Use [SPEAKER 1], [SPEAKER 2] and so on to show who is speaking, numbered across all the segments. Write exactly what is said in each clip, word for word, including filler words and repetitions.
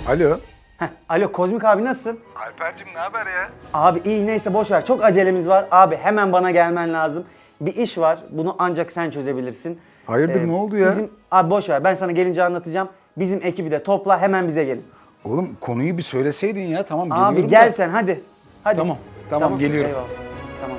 [SPEAKER 1] Alo.
[SPEAKER 2] Heh, alo Kozmik abi nasılsın?
[SPEAKER 1] Alper'cim ne haber ya?
[SPEAKER 2] Abi iyi neyse boş ver. Çok acelemiz var. Abi hemen bana gelmen lazım. Bir iş var. Bunu ancak sen çözebilirsin.
[SPEAKER 1] Hayırdır, ne oldu ya?
[SPEAKER 2] Bizim abi boş ver. Ben sana gelince anlatacağım. Bizim ekibi de topla hemen bize gelin.
[SPEAKER 1] Oğlum konuyu bir söyleseydin ya, tamam geliyorum
[SPEAKER 2] Abi gel
[SPEAKER 1] da.
[SPEAKER 2] sen hadi. Hadi.
[SPEAKER 1] Tamam, tamam, geliyorum.
[SPEAKER 2] Eyvallah. Tamam.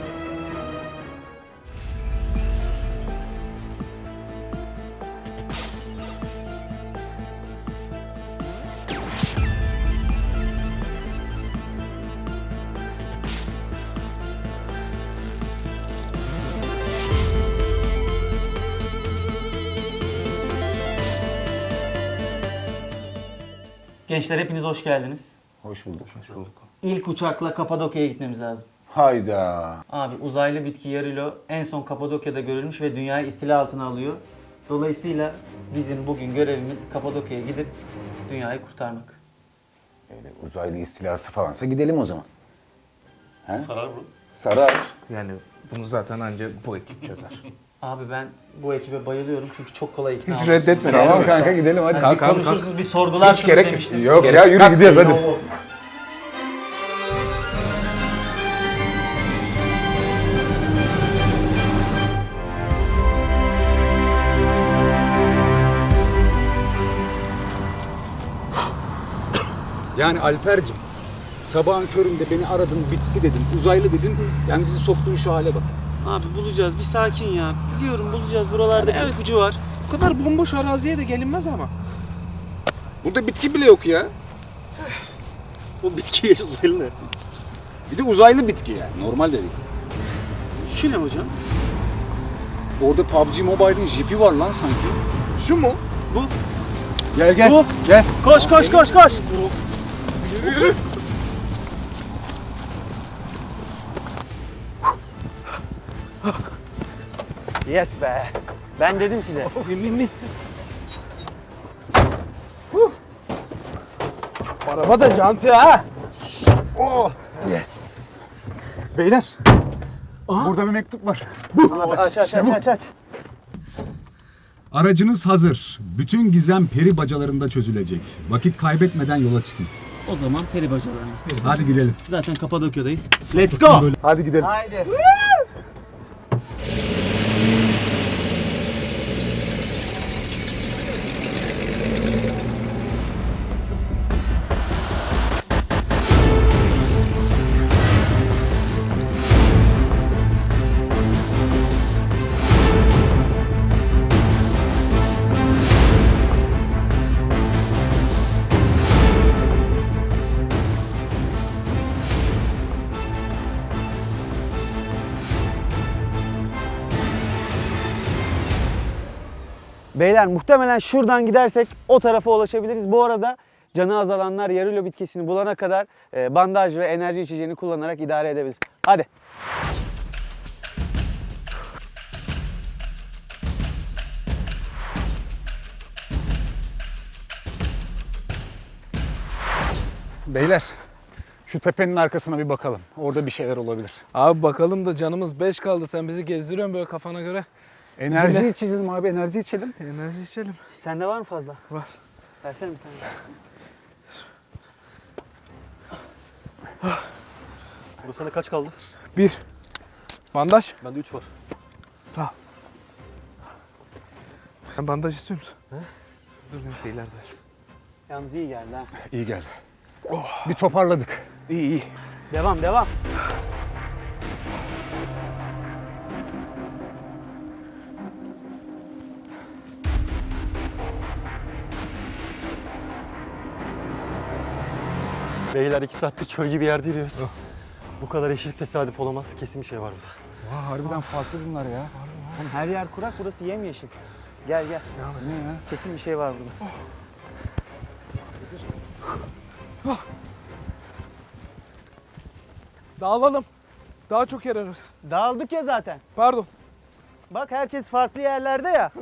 [SPEAKER 2] Gençler hepiniz hoş geldiniz.
[SPEAKER 1] Hoş bulduk. Hoş bulduk.
[SPEAKER 2] İlk uçakla Kapadokya'ya gitmemiz lazım.
[SPEAKER 1] Hayda.
[SPEAKER 2] Abi uzaylı bitki yarilo en son Kapadokya'da görülmüş ve dünyayı istila altına alıyor. Dolayısıyla bizim bugün görevimiz Kapadokya'ya gidip dünyayı kurtarmak.
[SPEAKER 1] Öyle uzaylı istilası falansa gidelim o zaman. He?
[SPEAKER 3] Sarar mı?
[SPEAKER 1] Sarar.
[SPEAKER 4] Yani bunu zaten ancak bu ekip çözer.
[SPEAKER 2] Abi ben bu ekibe bayılıyorum çünkü çok kolay ikna
[SPEAKER 4] Hiç
[SPEAKER 2] oluyorsunuz.
[SPEAKER 4] reddetme.
[SPEAKER 1] Tamam
[SPEAKER 4] Tamam.
[SPEAKER 1] kanka gidelim hadi.
[SPEAKER 2] Hani bir
[SPEAKER 4] Kalk, kalk,
[SPEAKER 2] konuşursunuz, bir sorgularsınız
[SPEAKER 4] Hiç gerek yok.
[SPEAKER 2] demiştim.
[SPEAKER 1] Yok
[SPEAKER 4] Gerek-
[SPEAKER 1] ya yürü
[SPEAKER 4] Kalk,
[SPEAKER 1] gidiyoruz hadi. Yani Alper'cim, sabahın köründe beni aradın, bitki dedin, uzaylı dedin, yani bizi soktuğun şu hale bak.
[SPEAKER 2] Abi bulacağız bir sakin ya. Biliyorum bulacağız buralarda bir ipucu var.
[SPEAKER 4] Bu kadar bomboş araziye de gelinmez ama. Burada bitki bile yok ya.
[SPEAKER 3] Bu bitki uzaylı ne?
[SPEAKER 1] Bir de uzaylı bitki yani, normal de değil.
[SPEAKER 2] Şu ne hocam?
[SPEAKER 1] Orada P U B G Mobile'in jipi var lan sanki.
[SPEAKER 4] Şu mu?
[SPEAKER 2] Bu.
[SPEAKER 1] Gel gel,
[SPEAKER 2] Bu.
[SPEAKER 1] gel.
[SPEAKER 2] Koş koş koş koş. Yes be. Ben dedim size.
[SPEAKER 4] Bin bin bin. Araba da jantı ha.
[SPEAKER 1] Yes. Beyler, burada bir mektup var.
[SPEAKER 2] Abi aç aç aç aç aç.
[SPEAKER 5] Aracınız hazır. Bütün gizem peri bacalarında çözülecek. Vakit kaybetmeden yola çıkın.
[SPEAKER 2] O zaman peri bacalarına.
[SPEAKER 5] Hadi gidelim.
[SPEAKER 2] Zaten Kapadokya'dayız. Let's go.
[SPEAKER 1] Hadi gidelim.
[SPEAKER 2] Haydi. Beyler muhtemelen şuradan gidersek o tarafa ulaşabiliriz. Bu arada canı azalanlar yarilo bitkisini bulana kadar e, bandaj ve enerji içeceğini kullanarak idare edebilir. Hadi.
[SPEAKER 1] Beyler, şu tepenin arkasına bir bakalım. Orada bir şeyler olabilir.
[SPEAKER 4] Abi bakalım da canımız beş kaldı. Sen bizi gezdiriyorsun böyle kafana göre.
[SPEAKER 1] Enerji
[SPEAKER 4] Bile-
[SPEAKER 1] içelim abi, enerji içelim.
[SPEAKER 4] Enerji içelim.
[SPEAKER 2] Sende var mı fazla?
[SPEAKER 4] Var.
[SPEAKER 2] Versene bir tane.
[SPEAKER 3] Bu sene kaç kaldı?
[SPEAKER 4] Bir. Bandaj.
[SPEAKER 3] Bende üç var.
[SPEAKER 4] Sağ ol. Sen bandaj istiyor musun? He? Dur neyse ileride ver.
[SPEAKER 2] Yalnız iyi geldi ha.
[SPEAKER 1] İyi geldi. Bir toparladık.
[SPEAKER 4] İyi iyi.
[SPEAKER 2] Devam devam.
[SPEAKER 3] Beyler iki saattir çöl gibi yerde yürüyoruz. Bu kadar eşlik tesadüf olamaz. Kesin bir şey var burada.
[SPEAKER 1] Vay, harbiden farklı bunlar ya.
[SPEAKER 2] Oğlum her yer kurak, burası yemyeşil. Gel gel.
[SPEAKER 1] Ne ya?
[SPEAKER 2] Kesin bir şey var burada.
[SPEAKER 4] Dağılalım. Daha çok yer ararız.
[SPEAKER 2] Dağıldık ya zaten.
[SPEAKER 4] Pardon.
[SPEAKER 2] Bak herkes farklı yerlerde ya.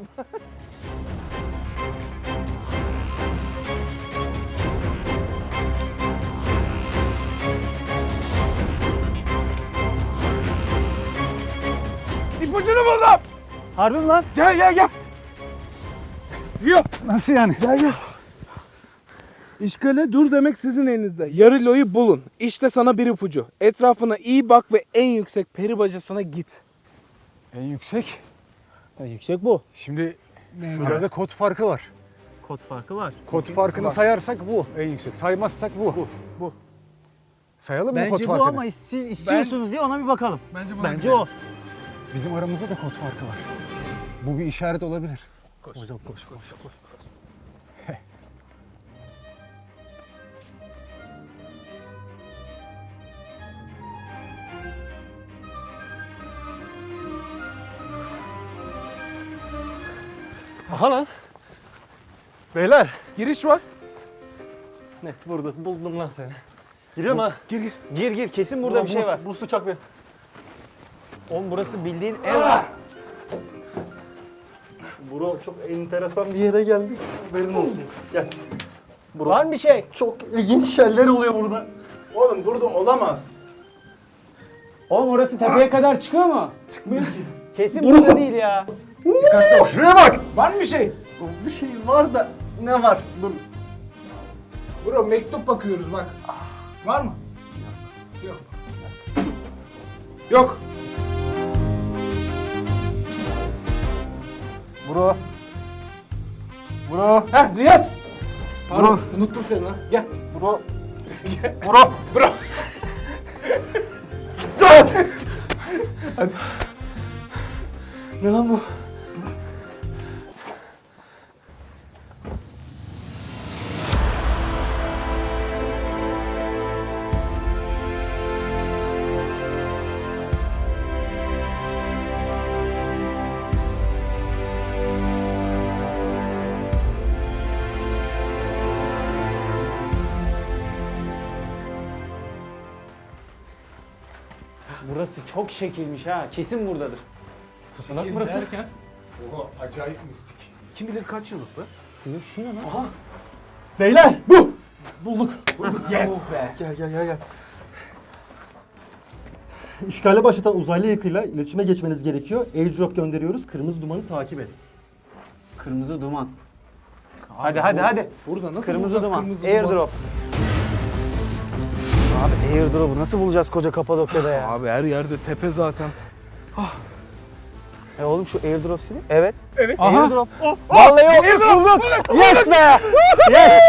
[SPEAKER 4] İpucunu buldum.
[SPEAKER 2] Harbi mi lan?
[SPEAKER 4] Gel gel gel. Yok.
[SPEAKER 1] Nasıl yani?
[SPEAKER 4] Gel gel. İşgale dur demek sizin elinizde. Yarılo'yu bulun. İşte sana bir ipucu. Etrafına iyi bak ve en yüksek peri bacasına git.
[SPEAKER 1] En yüksek.
[SPEAKER 2] En yüksek bu.
[SPEAKER 1] Şimdi şurada kod farkı var.
[SPEAKER 2] Kod farkı var.
[SPEAKER 1] Kod farkını sayarsak bu en yüksek. Saymazsak bu. Bu.
[SPEAKER 4] Bu.
[SPEAKER 1] Sayalım mı kod
[SPEAKER 2] Bence bu
[SPEAKER 1] farkını?
[SPEAKER 2] ama siz istiyorsunuz diye ona bir bakalım.
[SPEAKER 4] Bence bu.
[SPEAKER 2] Bence o.
[SPEAKER 1] Bizim aramızda da kod farkı var. Bu bir işaret olabilir.
[SPEAKER 3] Hocam koş koş koş. Aha lan. Beyler.
[SPEAKER 4] Giriş var.
[SPEAKER 3] Net buradasın. Buldum lan seni. Giriyorum ha.
[SPEAKER 4] Gir gir.
[SPEAKER 2] Gir gir kesin burada bir şey var.
[SPEAKER 3] Boost'u çak bir.
[SPEAKER 2] Oğlum burası bildiğin ev.
[SPEAKER 3] Bro çok enteresan bir yere geldik. Haberin olsun. Gel. Bro.
[SPEAKER 2] Var mı bir şey?
[SPEAKER 3] Çok ilginç şeyler oluyor burada.
[SPEAKER 4] Oğlum burada olamaz.
[SPEAKER 2] Oğlum orası tepeye kadar çıkıyor mu? Çıkmıyor ki. Kesin burada değil ya.
[SPEAKER 3] Şuraya bak.
[SPEAKER 4] Var mı bir şey?
[SPEAKER 3] Bir şey var da ne var? Dur.
[SPEAKER 4] Bro mektup bakıyoruz bak. Var mı? Yok. Yok.
[SPEAKER 3] Bro. Bro.
[SPEAKER 4] Heh Riyaz. Pardon
[SPEAKER 3] Bro.
[SPEAKER 4] unuttum seni lan. Gel.
[SPEAKER 3] Bro. Bro.
[SPEAKER 4] Bro.
[SPEAKER 3] Ne lan bu?
[SPEAKER 2] Burası çok şekilmiş ha. Kesin buradadır.
[SPEAKER 3] Salak burası.
[SPEAKER 4] Derken.
[SPEAKER 1] Oha acayip mistik.
[SPEAKER 4] Kim bilir kaç yıllık bu?
[SPEAKER 2] Şu, şu ne lan?
[SPEAKER 3] Beyler bu. Bulduk.
[SPEAKER 4] Yes be.
[SPEAKER 3] Gel gel gel gel. İşgale başlatan uzaylı yakıyla iletişime geçmeniz gerekiyor. Airdrop gönderiyoruz. Kırmızı dumanı takip edin.
[SPEAKER 2] Kırmızı duman. Hadi hadi hadi.
[SPEAKER 4] Burada nasıl
[SPEAKER 2] Kırmızı
[SPEAKER 4] bulacağız
[SPEAKER 2] duman.
[SPEAKER 4] kırmızı duman?
[SPEAKER 2] Airdrop. Abi airdrop'u nasıl bulacağız koca Kapadokya'da ya?
[SPEAKER 4] Abi her yerde tepe zaten.
[SPEAKER 2] E oğlum şu airdrop silin. Evet.
[SPEAKER 4] Evet.
[SPEAKER 2] Airdrop. Vallahi yok.
[SPEAKER 4] Airdrop.
[SPEAKER 2] Yes be. Yes.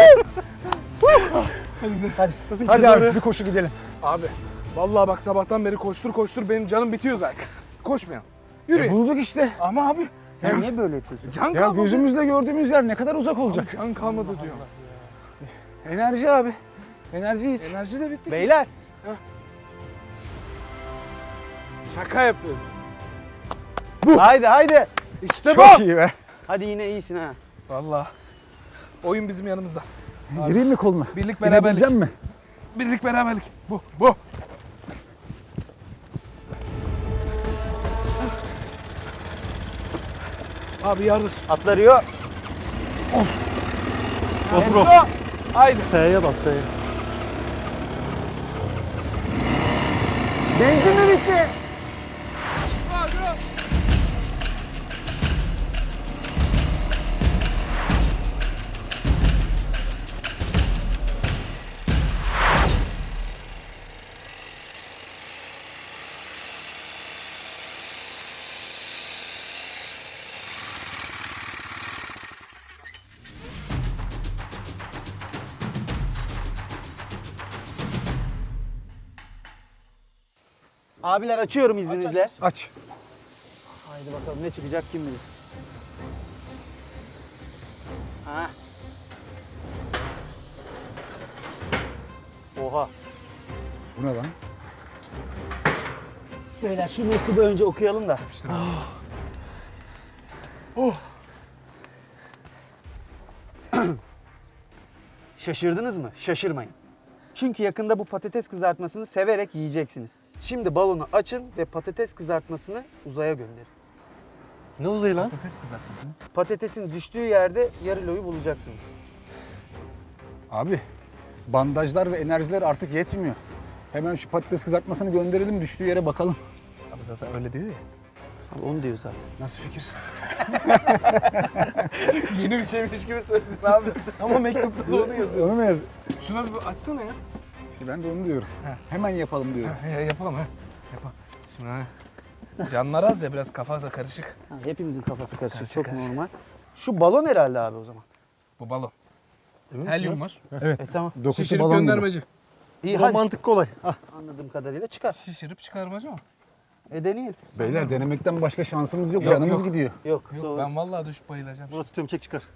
[SPEAKER 1] Hadi abi bir koşu gidelim.
[SPEAKER 4] Abi vallahi bak sabahtan beri koştur koştur benim canım bitiyor zaten. Koşmayalım. Yürü.
[SPEAKER 1] E, bulduk işte.
[SPEAKER 4] Ama abi
[SPEAKER 2] Sen niye böyle yapıyorsun?
[SPEAKER 4] can
[SPEAKER 1] Ya
[SPEAKER 4] kalmadı.
[SPEAKER 1] gözümüzle gördüğümüz yer ne kadar uzak olacak.
[SPEAKER 4] Can kalmadı diyor.
[SPEAKER 1] Enerji abi. Enerji iç.
[SPEAKER 4] Enerji de bitti.
[SPEAKER 2] Beyler.
[SPEAKER 4] Şaka yapıyoruz.
[SPEAKER 2] Haydi haydi.
[SPEAKER 4] İşte bu.
[SPEAKER 1] Çok iyi be.
[SPEAKER 2] Hadi yine iyisin ha.
[SPEAKER 4] Vallahi. Oyun bizim yanımızda.
[SPEAKER 1] Gireyim mi koluna?
[SPEAKER 4] Birlik beraberlik.
[SPEAKER 1] Girebileceğim mi?
[SPEAKER 4] Birlik beraberlik. Bu. Bu. Abi yardır.
[SPEAKER 2] Atlarıyor.
[SPEAKER 3] Bas bro.
[SPEAKER 4] Haydi.
[SPEAKER 3] F'ye bas F'ye.
[SPEAKER 2] Benzin mi bitti? Abiler açıyorum izninizle.
[SPEAKER 1] Aç.
[SPEAKER 2] Haydi bakalım ne çıkacak kim bilir. Ha. Oha.
[SPEAKER 1] Bu ne lan?
[SPEAKER 2] Beyler şu mektubu önce okuyalım da.
[SPEAKER 4] Oh.
[SPEAKER 2] Şaşırdınız mı? Şaşırmayın. Çünkü yakında bu patates kızartmasını severek yiyeceksiniz. Şimdi balonu açın ve patates kızartmasını uzaya gönderin.
[SPEAKER 3] Ne uzayı lan?
[SPEAKER 1] Patates kızartması mı?
[SPEAKER 2] Patatesin düştüğü yerde yarıloyu bulacaksınız.
[SPEAKER 1] Abi bandajlar ve enerjiler artık yetmiyor. Hemen şu patates kızartmasını gönderelim düştüğü yere bakalım.
[SPEAKER 4] Abi zaten öyle diyor ya.
[SPEAKER 2] Abi onu diyor zaten.
[SPEAKER 1] Nasıl fikir?
[SPEAKER 4] Yeni bir şeymiş gibi söyledin abi. Ama mektupta da onu yazıyor.
[SPEAKER 1] Onu mu yaz?
[SPEAKER 4] Şuna bir açsana ya.
[SPEAKER 1] İşte ben de onu diyorum. Hemen yapalım diyorum.
[SPEAKER 4] Ha, ya yapalım ha. Yapalım. Şimdi ha. Canlar az ya biraz kafa da karışık.
[SPEAKER 2] Ha, hepimizin kafası karışık.
[SPEAKER 4] Karışık,
[SPEAKER 2] Çok
[SPEAKER 4] karışık.
[SPEAKER 2] normal. Şu balon herhalde abi o zaman.
[SPEAKER 4] Bu balon.
[SPEAKER 3] Emin misin
[SPEAKER 4] Helyum
[SPEAKER 3] ya?
[SPEAKER 4] var.
[SPEAKER 2] E tamam.
[SPEAKER 1] Dokusu
[SPEAKER 4] Şişirip
[SPEAKER 1] balon gibi.
[SPEAKER 4] göndermeci.
[SPEAKER 2] İyi
[SPEAKER 3] Bu
[SPEAKER 2] hadi.
[SPEAKER 3] mantık kolay. Ah,
[SPEAKER 2] Anladığım kadarıyla çıkar.
[SPEAKER 4] Şişirip çıkarmacı mı?
[SPEAKER 2] E deneyelim.
[SPEAKER 1] Beyler denemekten başka şansımız yok.
[SPEAKER 4] Yok,
[SPEAKER 1] Canımız
[SPEAKER 4] yok.
[SPEAKER 1] gidiyor.
[SPEAKER 2] Yok,
[SPEAKER 4] Yok
[SPEAKER 2] doğru.
[SPEAKER 4] ben vallahi düşüp bayılacağım.
[SPEAKER 3] buna tutuyorum, çek çıkar.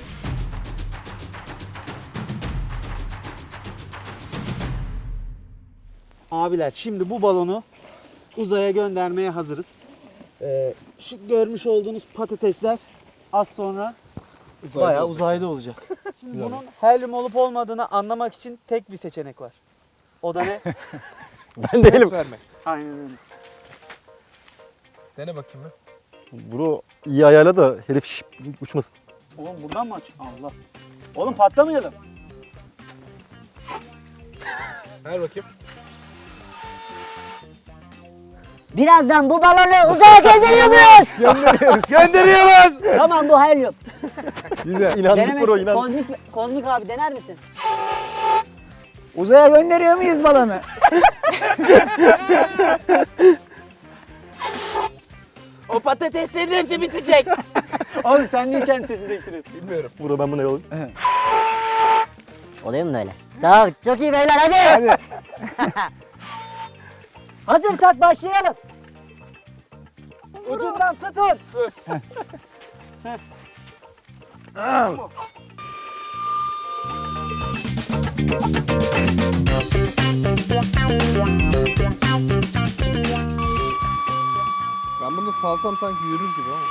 [SPEAKER 2] Abiler şimdi bu balonu uzaya göndermeye hazırız. Ee, şu görmüş olduğunuz patatesler az sonra bayağı uzayda olacak. Şimdi bunun helyum olup olmadığını anlamak için tek bir seçenek var. O da ne?
[SPEAKER 3] Ben değilim.
[SPEAKER 4] Verme.
[SPEAKER 2] Aynen öyle.
[SPEAKER 4] Dene bakayım ben.
[SPEAKER 3] Bro iyi ayarla da herif şş, uçmasın.
[SPEAKER 2] Oğlum buradan mı aç? Allah. Oğlum patlamayalım.
[SPEAKER 4] Ver bakayım.
[SPEAKER 6] Birazdan bu balonu uzaya gönderiyor muyuz?
[SPEAKER 1] Gönderiyoruz.
[SPEAKER 4] Gönderiyorlar.
[SPEAKER 6] Tamam bu helyum.
[SPEAKER 1] Güzel.
[SPEAKER 3] İnandık
[SPEAKER 6] Denemek
[SPEAKER 3] bro,
[SPEAKER 6] ist-
[SPEAKER 3] inan.
[SPEAKER 6] Kozmik, kozmik abi dener misin?
[SPEAKER 7] Uzaya gönderiyor muyuz balonu?
[SPEAKER 6] O patateslerin hepsi bitecek.
[SPEAKER 2] Abi sen niye kendi sesini değiştiriyorsun?
[SPEAKER 4] Bilmiyorum.
[SPEAKER 3] Bro ben buna yollayayım.
[SPEAKER 6] Oluyor mu böyle? Tamam çok iyi beyler hadi.
[SPEAKER 1] Hadi.
[SPEAKER 6] Hazırsak başlayalım.
[SPEAKER 2] Ucundan tutun.
[SPEAKER 4] Ben bunu salsam sanki yürür gibi ama.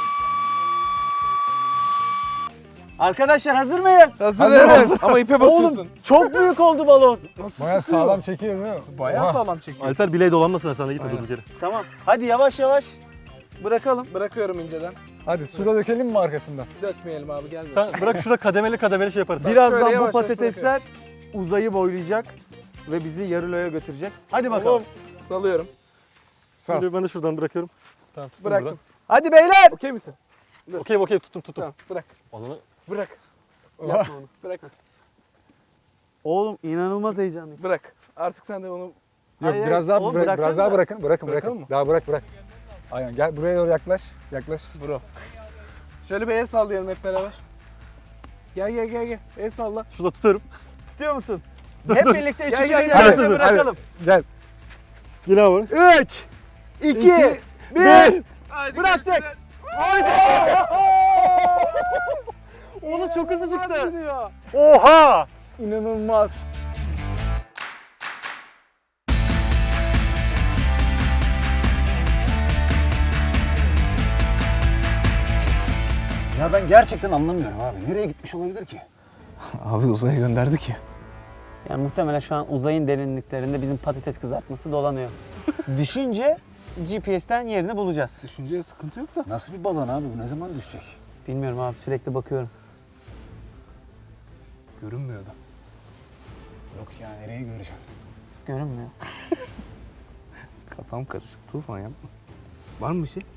[SPEAKER 2] Arkadaşlar hazır mıyız?
[SPEAKER 4] Hazırız. Ama ipe basıyorsun.
[SPEAKER 2] Oğlum çok büyük oldu balon.
[SPEAKER 4] Nasıl
[SPEAKER 1] Bayağı
[SPEAKER 4] sıkıyor?
[SPEAKER 1] sağlam çekiyor değil mi?
[SPEAKER 4] Bayağı sağlam çekiyor.
[SPEAKER 3] Alper bileği dolanmasın sana, gitme
[SPEAKER 4] Aynen.
[SPEAKER 3] durduk yere.
[SPEAKER 2] Tamam. Hadi yavaş yavaş bırakalım.
[SPEAKER 4] Bırakıyorum inceden.
[SPEAKER 1] Hadi suda dökelim mi arkasından?
[SPEAKER 4] Dökmeyelim abi gelmesin.
[SPEAKER 3] Sen bırak şurada kademeli kademeli şey yaparız.
[SPEAKER 2] Birazdan
[SPEAKER 4] şöyle
[SPEAKER 2] bu
[SPEAKER 4] yavaş yavaş
[SPEAKER 2] patatesler uzayı boylayacak ve bizi yarıloya götürecek. Hadi bakalım.
[SPEAKER 4] Salıyorum.
[SPEAKER 1] Sağ.
[SPEAKER 3] Şimdi ben de şuradan bırakıyorum. Tamam tuttum
[SPEAKER 4] Bıraktım.
[SPEAKER 2] Hadi beyler.
[SPEAKER 4] Okey misin?
[SPEAKER 3] buradan. Okey okey tuttum tuttum.
[SPEAKER 4] Tamam bırak.
[SPEAKER 3] Alanı
[SPEAKER 4] Bırak. Yapma onu. Bırak.
[SPEAKER 2] Oğlum inanılmaz heyecanlıyım.
[SPEAKER 4] Bırak. Artık sen de onu
[SPEAKER 1] Yok
[SPEAKER 2] Hayır,
[SPEAKER 1] biraz daha
[SPEAKER 2] oğlum
[SPEAKER 1] bırak- biraz
[SPEAKER 2] bıraksana.
[SPEAKER 1] daha bırakın. Bırakın
[SPEAKER 4] Bırakalım
[SPEAKER 1] bırakın.
[SPEAKER 4] mı?
[SPEAKER 1] Daha bırak bırak. Aynen gel buraya doğru yaklaş. Yaklaş.
[SPEAKER 4] bro. Şöyle bir el sallayalım hep beraber. Gel gel gel gel. El salla.
[SPEAKER 3] şurada tutuyorum.
[SPEAKER 2] Tutuyor musun?
[SPEAKER 4] Hep birlikte
[SPEAKER 2] Gel,
[SPEAKER 4] üçüncü
[SPEAKER 2] gel,
[SPEAKER 4] bir
[SPEAKER 2] gel.
[SPEAKER 4] yerde
[SPEAKER 2] Hadi, bırakalım.
[SPEAKER 1] Gel.
[SPEAKER 3] Yine abi.
[SPEAKER 2] üç, iki, bir. Bıraktık. Haydi. Oğlum çok hızlı çıktı.
[SPEAKER 3] Oha!
[SPEAKER 2] İnanılmaz.
[SPEAKER 1] Ya ben gerçekten anlamıyorum abi. Nereye gitmiş olabilir ki?
[SPEAKER 4] Abi uzaya gönderdik ya.
[SPEAKER 2] Yani muhtemelen şu an uzayın derinliklerinde bizim patates kızartması dolanıyor. Düşünce G P S'ten yerini bulacağız.
[SPEAKER 4] Düşünceye sıkıntı yok da.
[SPEAKER 1] Nasıl bir balon abi bu? Ne zaman düşecek?
[SPEAKER 2] Bilmiyorum abi sürekli bakıyorum.
[SPEAKER 4] Görünmüyor da.
[SPEAKER 1] Yok ya nereye göreceğim?
[SPEAKER 2] Görünmüyor.
[SPEAKER 4] Kafam karışık. Tufan yapma. Var mı bir şey?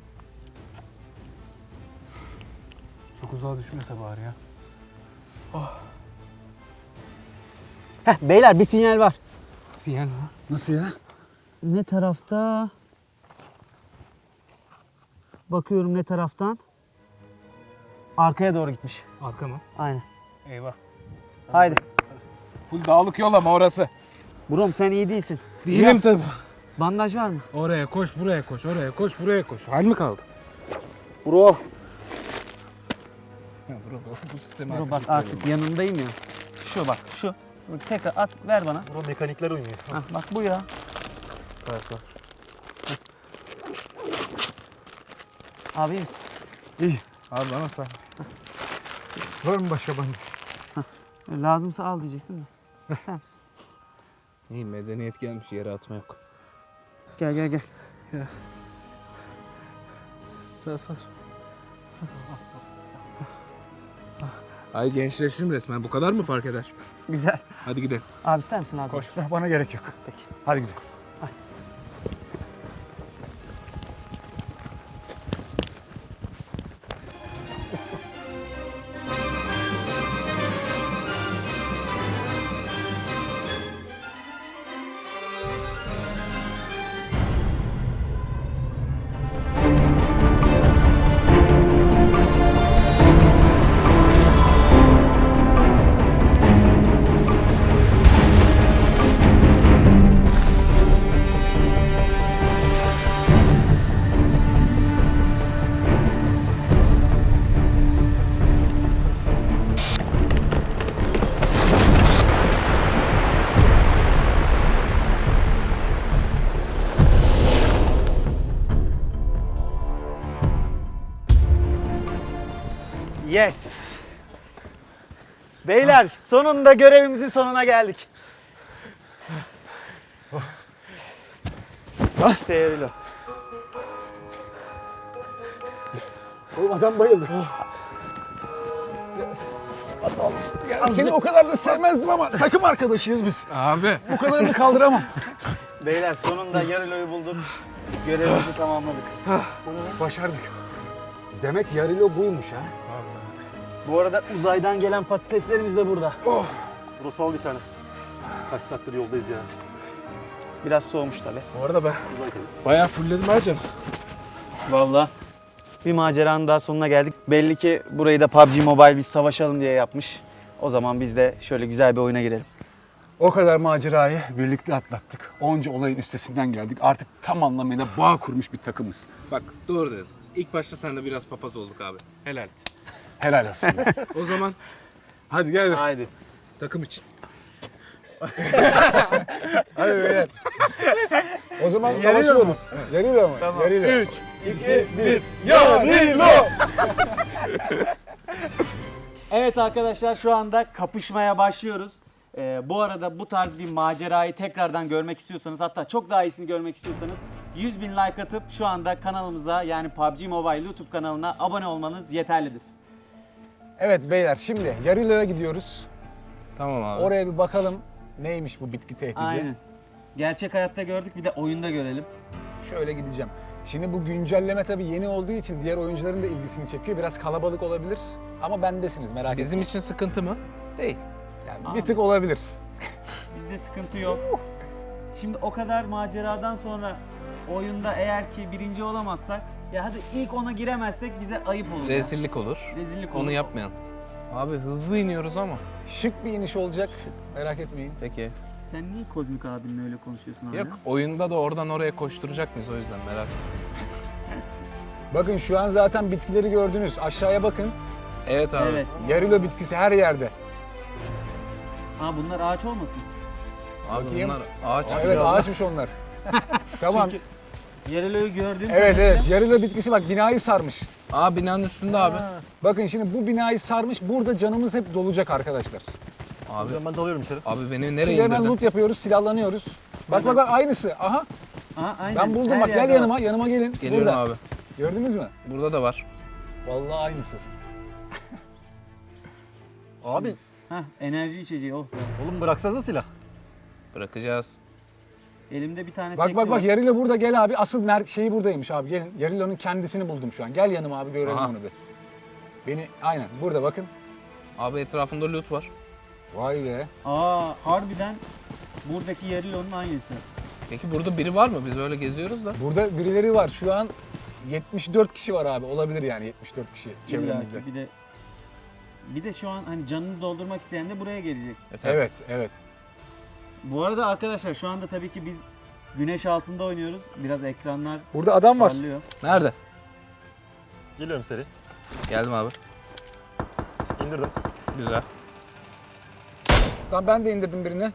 [SPEAKER 4] Çok uzağa düşmese bari ya.
[SPEAKER 2] Heh beyler bir sinyal var.
[SPEAKER 4] Sinyal mi?
[SPEAKER 1] Nasıl ya?
[SPEAKER 2] Ne tarafta? Bakıyorum ne taraftan? Arkaya doğru gitmiş.
[SPEAKER 4] Arka mı?
[SPEAKER 2] Aynen.
[SPEAKER 4] Eyvah.
[SPEAKER 2] Haydi.
[SPEAKER 4] Full dağlık yol ama orası.
[SPEAKER 2] Brom sen iyi değilsin.
[SPEAKER 4] Değilim tabii.
[SPEAKER 2] Bandaj var mı?
[SPEAKER 4] Oraya koş, buraya koş, oraya koş, buraya koş. Hal mi kaldı?
[SPEAKER 2] Bro.
[SPEAKER 4] Ya bro, bu sistemi
[SPEAKER 2] Bro
[SPEAKER 4] artık
[SPEAKER 2] bak
[SPEAKER 4] hiç
[SPEAKER 2] artık
[SPEAKER 4] sevmiyorum.
[SPEAKER 2] yanındayım ya. Şu bak şu. Bak, tekrar at ver bana.
[SPEAKER 3] Bro mekanikler uymuyor.
[SPEAKER 2] Hah, bak bu ya.
[SPEAKER 3] Evet, var.
[SPEAKER 2] Abi iyi misin?
[SPEAKER 4] Abi bana sor.
[SPEAKER 1] Var mı başka bandaj?
[SPEAKER 2] Lazımsa al diyecektim de. İster misin?
[SPEAKER 4] İyi medeniyet gelmiş, yere atma yok.
[SPEAKER 2] Gel gel gel.
[SPEAKER 4] Sar sar. Ay gençleştim resmen. Bu kadar mı fark eder?
[SPEAKER 2] Güzel.
[SPEAKER 4] Hadi gidelim.
[SPEAKER 2] Abi ister misin lazım?
[SPEAKER 4] Koş.
[SPEAKER 1] Bana gerek yok. Peki. Hadi gidelim.
[SPEAKER 2] Yes. Beyler sonunda görevimizin sonuna geldik. İşte Yarilo.
[SPEAKER 1] Oğlum adam bayıldı. Ya seni o kadar da sevmezdim ama takım arkadaşıyız biz.
[SPEAKER 4] Abi.
[SPEAKER 1] Bu kadarını kaldıramam.
[SPEAKER 2] Beyler sonunda Yarilo'yu bulduk. Görevimizi tamamladık.
[SPEAKER 1] Başardık. Demek Yarilo buymuş ha.
[SPEAKER 2] Bu arada uzaydan gelen patateslerimiz de burada.
[SPEAKER 3] Burası al bir tane. Kaç saattir yoldayız ya.
[SPEAKER 2] Biraz soğumuş tabii.
[SPEAKER 4] Bu arada ben bayağı fullledim ha canım.
[SPEAKER 2] Vallahi bir maceranın daha sonuna geldik. Belli ki burayı da P U B G Mobile biz savaşalım diye yapmış. O zaman biz de şöyle güzel bir oyuna girelim.
[SPEAKER 1] O kadar macerayı birlikte atlattık. Onca olayın üstesinden geldik. Artık tam anlamıyla bağ kurmuş bir takımız.
[SPEAKER 4] Bak doğru dedin. İlk başta sen de biraz papaz olduk abi. Helal et.
[SPEAKER 1] Helal olsun.
[SPEAKER 4] O zaman
[SPEAKER 1] Hadi gel. be.
[SPEAKER 2] Haydi.
[SPEAKER 4] takım için.
[SPEAKER 1] Hadi beyler. O zaman savaşıyoruz. Yarilo mu? Tamam. Yarilo.
[SPEAKER 4] üç, iki, bir.
[SPEAKER 2] Evet arkadaşlar şu anda kapışmaya başlıyoruz. Ee, bu arada bu tarz bir macerayı tekrardan görmek istiyorsanız, hatta çok daha iyisini görmek istiyorsanız yüz bin like atıp şu anda kanalımıza, yani P U B G Mobile YouTube kanalına abone olmanız yeterlidir.
[SPEAKER 1] Evet beyler, şimdi Yarilo'ya gidiyoruz.
[SPEAKER 4] Tamam abi.
[SPEAKER 1] Oraya bir bakalım neymiş bu bitki tehdidi.
[SPEAKER 2] Aynen. Gerçek hayatta gördük, bir de oyunda görelim.
[SPEAKER 1] Şöyle gideceğim. Şimdi bu güncelleme tabii yeni olduğu için diğer oyuncuların da ilgisini çekiyor. Biraz kalabalık olabilir ama bendesiniz, merak etmeyin.
[SPEAKER 4] Bizim için sıkıntı mı? Değil.
[SPEAKER 1] Yani bir tık olabilir.
[SPEAKER 2] Bizde sıkıntı yok. Şimdi o kadar maceradan sonra oyunda eğer ki birinci olamazsak, ya hadi ilk ona giremezsek bize ayıp olur. ya.
[SPEAKER 4] Rezillik olur.
[SPEAKER 2] Rezillik olur.
[SPEAKER 4] Onu yapmayalım. Abi hızlı iniyoruz ama.
[SPEAKER 1] Şık bir iniş olacak, merak etmeyin.
[SPEAKER 4] Peki.
[SPEAKER 2] Sen niye Kozmik abinle öyle konuşuyorsun abi?
[SPEAKER 4] Yok, oyunda da oradan oraya koşturacak mıyız, o yüzden merak etme.
[SPEAKER 1] Bakın şu an zaten bitkileri gördünüz. Aşağıya bakın.
[SPEAKER 4] Evet abi.
[SPEAKER 2] Evet.
[SPEAKER 1] Yarilo bitkisi her yerde.
[SPEAKER 2] Aa bunlar ağaç olmasın?
[SPEAKER 4] Abi
[SPEAKER 1] Bakayım.
[SPEAKER 4] bunlar ağaç.
[SPEAKER 1] Aa, evet ağaçmış onlar. Tamam.
[SPEAKER 2] Çünkü Yarilo'yu gördüğüm
[SPEAKER 1] Evet
[SPEAKER 2] kadarıyla-
[SPEAKER 1] evet, Yarilo bitkisi bak binayı sarmış.
[SPEAKER 4] Aa, binanın üstünde abi.
[SPEAKER 1] Bakın şimdi bu binayı sarmış. Burada canımız hep dolacak arkadaşlar.
[SPEAKER 3] O
[SPEAKER 4] Abi,
[SPEAKER 3] zaman ben dalıyorum içeri.
[SPEAKER 4] abi beni nereye
[SPEAKER 1] Şimdi hemen
[SPEAKER 4] indirdin?
[SPEAKER 1] loot yapıyoruz, silahlanıyoruz. Bak bak bak aynısı. Aha
[SPEAKER 2] Aa, aynen.
[SPEAKER 1] ben buldum
[SPEAKER 2] Her
[SPEAKER 1] bak, gel
[SPEAKER 2] yerde
[SPEAKER 1] yanıma, yanıma gelin.
[SPEAKER 4] Geliyorum
[SPEAKER 1] Burada.
[SPEAKER 4] abi.
[SPEAKER 1] Gördünüz mü?
[SPEAKER 4] Burada da var.
[SPEAKER 1] Vallahi aynısı.
[SPEAKER 3] Abi
[SPEAKER 2] var. Hah, enerji içeceği o.
[SPEAKER 3] oğlum bıraksanıza silah.
[SPEAKER 4] Bırakacağız.
[SPEAKER 2] Elimde bir tane
[SPEAKER 1] Bak
[SPEAKER 2] tekli
[SPEAKER 1] bak bak
[SPEAKER 2] var.
[SPEAKER 1] Yarilo burada, gel abi. Asıl mer şeyi buradaymış abi, gelin. Yarilo'nun kendisini buldum şu an. Gel yanıma abi, görelim
[SPEAKER 4] Aha.
[SPEAKER 1] onu bir. Beni aynen burada bakın.
[SPEAKER 4] Abi etrafında loot var.
[SPEAKER 1] Vay be.
[SPEAKER 2] Aa harbiden buradaki Yarilo'nun aynısı.
[SPEAKER 4] Peki burada biri var mı? Biz öyle geziyoruz da.
[SPEAKER 1] Burada birileri var. Şu an yetmiş dört kişi var abi. Olabilir yani yetmiş dört kişi çevremizde.
[SPEAKER 2] İlla ki bir de bir de şu an hani canını doldurmak isteyen de buraya gelecek.
[SPEAKER 4] E, tabii.
[SPEAKER 1] Evet, evet.
[SPEAKER 2] Bu arada arkadaşlar şu anda tabii ki biz güneş altında oynuyoruz. Biraz ekranlar
[SPEAKER 1] Burada adam var.
[SPEAKER 2] parlıyor.
[SPEAKER 4] Nerede?
[SPEAKER 3] Geliyorum seri.
[SPEAKER 4] Geldim abi.
[SPEAKER 3] İndirdim.
[SPEAKER 4] Güzel.
[SPEAKER 1] Tamam ben de indirdim birini.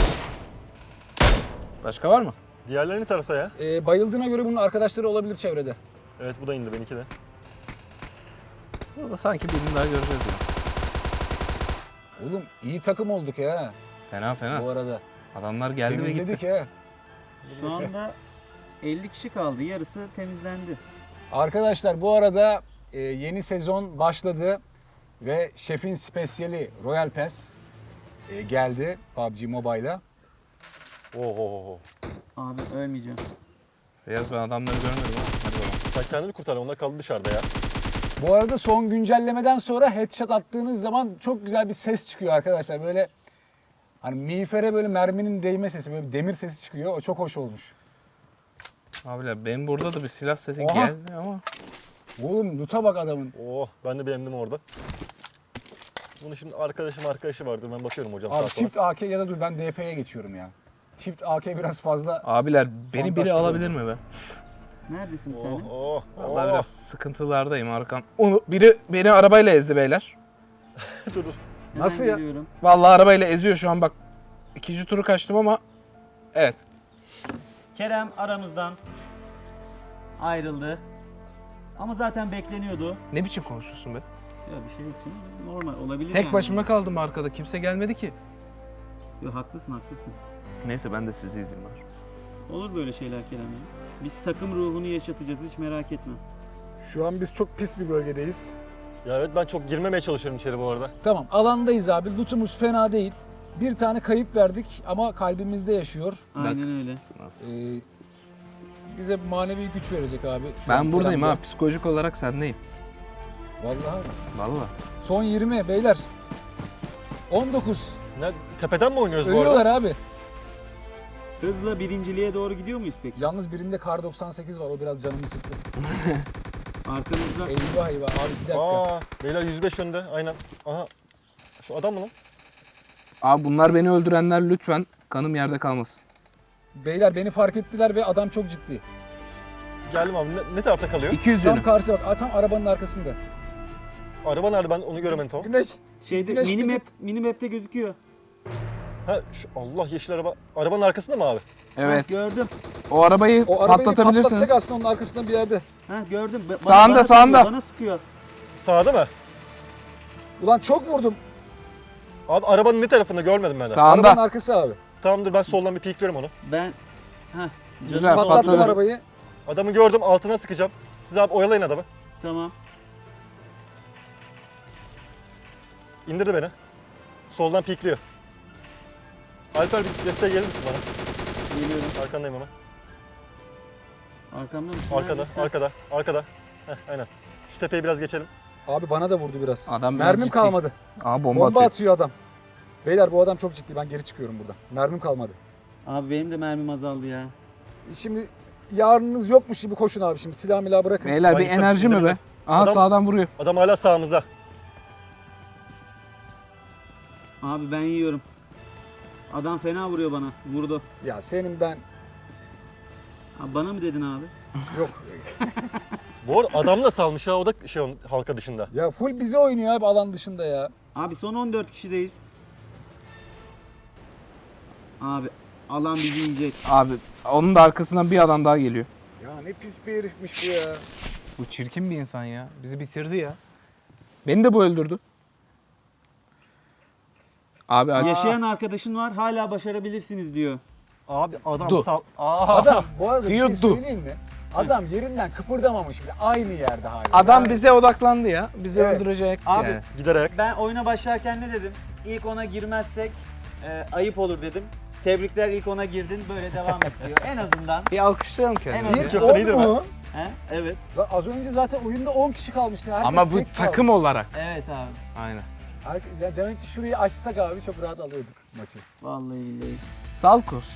[SPEAKER 4] Başka var mı?
[SPEAKER 3] Diğerlerini tarasa ya.
[SPEAKER 1] Ee, bayıldığına göre bunun arkadaşları olabilir çevrede.
[SPEAKER 3] Evet bu da indi, benimki de.
[SPEAKER 4] Burada sanki birini daha göreceğiz ya.
[SPEAKER 1] Oğlum iyi takım olduk ya
[SPEAKER 4] Fena fena.
[SPEAKER 1] bu arada.
[SPEAKER 4] Adamlar geldi ve gitti.
[SPEAKER 1] Temizledik ya.
[SPEAKER 2] Şu anda elli kişi kaldı. Yarısı temizlendi.
[SPEAKER 1] Arkadaşlar bu arada e, yeni sezon başladı ve şefin spesiyeli Royal Pass e, geldi P U B G Mobile'a.
[SPEAKER 3] Oho.
[SPEAKER 2] Abi ölmeyeceğim.
[SPEAKER 4] Beyaz, ben adamları görmedim ama. Hadi bakalım.
[SPEAKER 3] Sen kendini kurtar, onlar kaldı dışarıda ya.
[SPEAKER 1] Bu arada son güncellemeden sonra headshot attığınız zaman çok güzel bir ses çıkıyor arkadaşlar. Böyle hani miğfere böyle merminin değme sesi, böyle bir demir sesi çıkıyor. O çok hoş olmuş.
[SPEAKER 4] Abiler benim burada da bir silah sesi
[SPEAKER 1] Oha.
[SPEAKER 4] geldi ama.
[SPEAKER 1] Oğlum loot'a bak adamın.
[SPEAKER 3] Oh, ben de beğendim orada. Bunu şimdi arkadaşım arkadaşı vardır, ben bakıyorum hocam.
[SPEAKER 1] Abi
[SPEAKER 3] sağa sola.
[SPEAKER 1] çift A K ya da dur ben D P'ye geçiyorum ya. Çift A K biraz fazla.
[SPEAKER 4] Abiler beni biri
[SPEAKER 1] Fantastik
[SPEAKER 4] alabilir
[SPEAKER 1] oldu.
[SPEAKER 4] mi be?
[SPEAKER 2] Neredesin bir
[SPEAKER 3] Oh
[SPEAKER 2] tane?
[SPEAKER 3] oh
[SPEAKER 4] Vallahi
[SPEAKER 3] oh.
[SPEAKER 4] biraz sıkıntılardayım arkam. Onu biri beni arabayla ezdi beyler.
[SPEAKER 3] Dur dur.
[SPEAKER 2] Hemen
[SPEAKER 1] Nasıl ya?
[SPEAKER 2] geliyorum.
[SPEAKER 4] Vallahi arabayla eziyor şu an bak. İkinci turu kaçtım ama evet.
[SPEAKER 2] Kerem aramızdan ayrıldı. Ama zaten bekleniyordu.
[SPEAKER 4] Ne biçim konuşuyorsun be?
[SPEAKER 2] Ya bir şey yok canım. Normal olabilir
[SPEAKER 7] Tek
[SPEAKER 2] yani.
[SPEAKER 7] başıma kaldım arkada. Kimse gelmedi ki.
[SPEAKER 2] Yo, haklısın haklısın.
[SPEAKER 7] Neyse ben de size izin var.
[SPEAKER 2] Olur böyle şeyler Keremciğim. Biz takım ruhunu yaşatacağız, hiç merak etme.
[SPEAKER 1] Şu an biz çok pis bir bölgedeyiz.
[SPEAKER 3] Ya evet ben çok girmemeye çalışıyorum içeri bu arada.
[SPEAKER 1] Tamam, alandayız abi. Lootumuz fena değil. Bir tane kayıp verdik ama kalbimizde yaşıyor.
[SPEAKER 2] Aynen öyle.
[SPEAKER 1] Ee, bize manevi güç verecek abi. Şu
[SPEAKER 7] Ben
[SPEAKER 1] an
[SPEAKER 7] buradayım
[SPEAKER 1] Kerem'de.
[SPEAKER 7] ha. Psikolojik olarak sendeyim.
[SPEAKER 1] Vallahi mi?
[SPEAKER 7] Vallahi.
[SPEAKER 1] Son yirmi beyler. on dokuz.
[SPEAKER 3] Ne, tepeden mi oynuyoruz bu
[SPEAKER 1] Ölüyorlar
[SPEAKER 3] arada?
[SPEAKER 1] abi.
[SPEAKER 2] Hızla birinciliğe doğru gidiyor muyuz peki?
[SPEAKER 1] Yalnız birinde kar doksan sekiz var. O biraz canımı sıktı.
[SPEAKER 2] Arkamızda
[SPEAKER 1] Eyvah eyvah abi bir dakika.
[SPEAKER 3] Aa, beyler yüz beş önde aynen. Aha. Şu adam mı lan?
[SPEAKER 7] Abi bunlar beni öldürenler, lütfen kanım yerde kalmasın.
[SPEAKER 1] Beyler beni fark ettiler ve adam çok ciddi.
[SPEAKER 3] Geldim abi. Ne, ne tarafta kalıyor?
[SPEAKER 7] iki yüz
[SPEAKER 1] Tam
[SPEAKER 7] yönü.
[SPEAKER 1] karşıda bak. Aa, tam arabanın arkasında.
[SPEAKER 3] Araba nerede, ben onu göremedim tamam.
[SPEAKER 1] Güneş.
[SPEAKER 2] şeyde
[SPEAKER 1] Güneş
[SPEAKER 2] mini
[SPEAKER 1] bir
[SPEAKER 2] map mini map'te gözüküyor.
[SPEAKER 3] Ha şu Allah yeşil araba. Arabanın arkasında mı abi?
[SPEAKER 7] Evet.
[SPEAKER 2] Ha, gördüm.
[SPEAKER 7] O arabayı
[SPEAKER 1] O arabayı bir
[SPEAKER 7] patlatabilirsiniz.
[SPEAKER 1] patlatsak aslında onun arkasında bir yerde.
[SPEAKER 2] Ha gördüm. Ba- bana-
[SPEAKER 7] Sağında,
[SPEAKER 2] bana
[SPEAKER 7] sağında.
[SPEAKER 2] Sıkıyor, bana sıkıyor.
[SPEAKER 3] Sağda mı?
[SPEAKER 1] Ulan çok vurdum.
[SPEAKER 3] Abi arabanın ne tarafında görmedim ben de.
[SPEAKER 1] Arabanın
[SPEAKER 7] Sağında.
[SPEAKER 1] arkası abi.
[SPEAKER 3] Tamamdır, ben soldan bir pikliyorum onu.
[SPEAKER 2] Ben ha
[SPEAKER 7] Güzel,
[SPEAKER 2] canım
[SPEAKER 7] patladı.
[SPEAKER 1] Patlattım
[SPEAKER 2] doldu.
[SPEAKER 1] arabayı.
[SPEAKER 3] Adamı gördüm, altına sıkacağım. Siz abi oyalayın adamı.
[SPEAKER 2] Tamam.
[SPEAKER 3] İndirdi beni. Soldan pikliyor. Alper bir desteğe gelir misin bana?
[SPEAKER 2] Geliyorum.
[SPEAKER 3] Arkandayım ama.
[SPEAKER 2] Arkamda mısın?
[SPEAKER 3] Arkada,
[SPEAKER 2] Nerede?
[SPEAKER 3] arkada, arkada. Heh, aynen. Şu tepeyi biraz geçelim.
[SPEAKER 1] Abi bana da vurdu biraz.
[SPEAKER 7] Adam biraz
[SPEAKER 1] Mermim
[SPEAKER 7] ciddi.
[SPEAKER 1] kalmadı.
[SPEAKER 7] Aa bomba,
[SPEAKER 1] Bomba,
[SPEAKER 7] atıyor.
[SPEAKER 1] atıyor adam. Beyler bu adam çok ciddi. Ben geri çıkıyorum buradan. Mermim kalmadı.
[SPEAKER 2] Abi benim de mermim azaldı ya.
[SPEAKER 1] Şimdi yarınınız yokmuş gibi koşun abi şimdi. Silah milah bırakın.
[SPEAKER 7] Beyler
[SPEAKER 3] Ben
[SPEAKER 7] bir
[SPEAKER 3] gittim,
[SPEAKER 7] enerji mi be?
[SPEAKER 3] indirdim.
[SPEAKER 7] Aha
[SPEAKER 3] Adam-
[SPEAKER 7] sağdan vuruyor.
[SPEAKER 3] Adam hala sağımızda.
[SPEAKER 2] Abi ben yiyorum. Adam fena vuruyor bana. Vurdu.
[SPEAKER 1] Ya senin ben...
[SPEAKER 2] Abi bana mı dedin abi?
[SPEAKER 1] Yok.
[SPEAKER 3] Bu arada adam da salmış ha, o da şey onun halka dışında.
[SPEAKER 1] Ya full bize oynuyor abi alan dışında ya.
[SPEAKER 2] Abi son on dört kişideyiz. Abi alan bizi yiyecek.
[SPEAKER 7] Abi onun da arkasından bir adam daha geliyor.
[SPEAKER 1] Ya ne pis bir herifmiş bu ya.
[SPEAKER 7] Bu çirkin bir insan ya. Bizi bitirdi ya. Beni de bu öldürdü. Abi hadi.
[SPEAKER 2] Yaşayan arkadaşın var, hala başarabilirsiniz diyor.
[SPEAKER 3] Abi adam
[SPEAKER 7] Dur.
[SPEAKER 3] sal... Aa.
[SPEAKER 1] Adam bu arada bir şey
[SPEAKER 7] Diyordu.
[SPEAKER 1] söyleyeyim mi? Adam yerinden kıpırdamamış bile. Aynı yerde hala.
[SPEAKER 7] Adam
[SPEAKER 1] Yani-
[SPEAKER 7] bize odaklandı ya. Bizi
[SPEAKER 1] Evet.
[SPEAKER 7] öldürecek
[SPEAKER 2] Abi-
[SPEAKER 7] yani.
[SPEAKER 3] Giderek.
[SPEAKER 2] Ben oyuna başlarken ne dedim? İlk ona girmezsek e, ayıp olur dedim. Tebrikler, ilk ona girdin, böyle devam et diyor. En azından.
[SPEAKER 7] Bir alkışlayalım kendimizi.
[SPEAKER 2] Evet.
[SPEAKER 1] İlk
[SPEAKER 3] Çok da
[SPEAKER 1] on
[SPEAKER 3] iyidir
[SPEAKER 1] mu?
[SPEAKER 2] He? Evet.
[SPEAKER 1] Lan az önce zaten oyunda on kişi kalmıştı. Herkes
[SPEAKER 7] Ama bu
[SPEAKER 1] tek
[SPEAKER 7] takım
[SPEAKER 1] kalmış.
[SPEAKER 7] olarak.
[SPEAKER 2] Evet abi.
[SPEAKER 7] Aynen.
[SPEAKER 1] Herkes- ya demek ki şurayı açsak abi çok rahat alıyorduk maçı.
[SPEAKER 2] Vallahi billahi.
[SPEAKER 7] Salkos.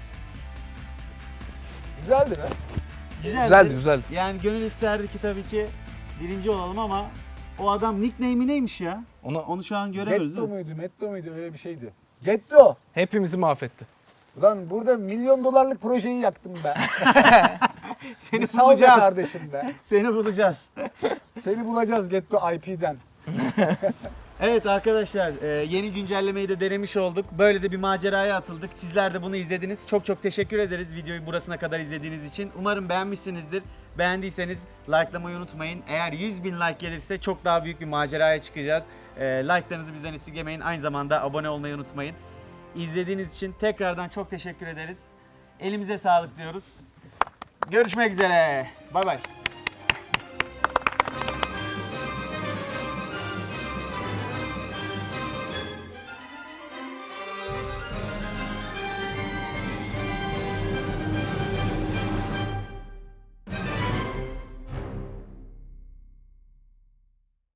[SPEAKER 1] Güzeldi be.
[SPEAKER 2] Güzeldi.
[SPEAKER 7] Güzeldi güzeldi.
[SPEAKER 2] Yani gönül isterdi ki tabii ki birinci olalım ama o adam nickname'i neymiş ya?
[SPEAKER 7] Onu
[SPEAKER 2] Onu şu an göremiyoruz
[SPEAKER 1] Getto
[SPEAKER 2] değil mi?
[SPEAKER 1] muydu, Metto muydu öyle bir şeydi. Getto.
[SPEAKER 7] hepimizi mahvetti.
[SPEAKER 1] Ulan burada milyon dolarlık projeyi yaktım ben.
[SPEAKER 2] Seni
[SPEAKER 1] Bir sal be
[SPEAKER 2] bulacağız.
[SPEAKER 1] kardeşim be.
[SPEAKER 2] Seni bulacağız.
[SPEAKER 1] Seni bulacağız Getto I P'den.
[SPEAKER 2] Evet arkadaşlar, e, yeni güncellemeyi de denemiş olduk. Böyle de bir maceraya atıldık. Sizler de bunu izlediniz. Çok çok teşekkür ederiz videoyu burasına kadar izlediğiniz için. Umarım beğenmişsinizdir. Beğendiyseniz likelamayı unutmayın. Eğer yüz bin like gelirse çok daha büyük bir maceraya çıkacağız. E, like'larınızı bizden esirgemeyin. Aynı zamanda abone olmayı unutmayın. İzlediğiniz için tekrardan çok teşekkür ederiz. Elimize sağlık diyoruz. Görüşmek üzere. Bay bay.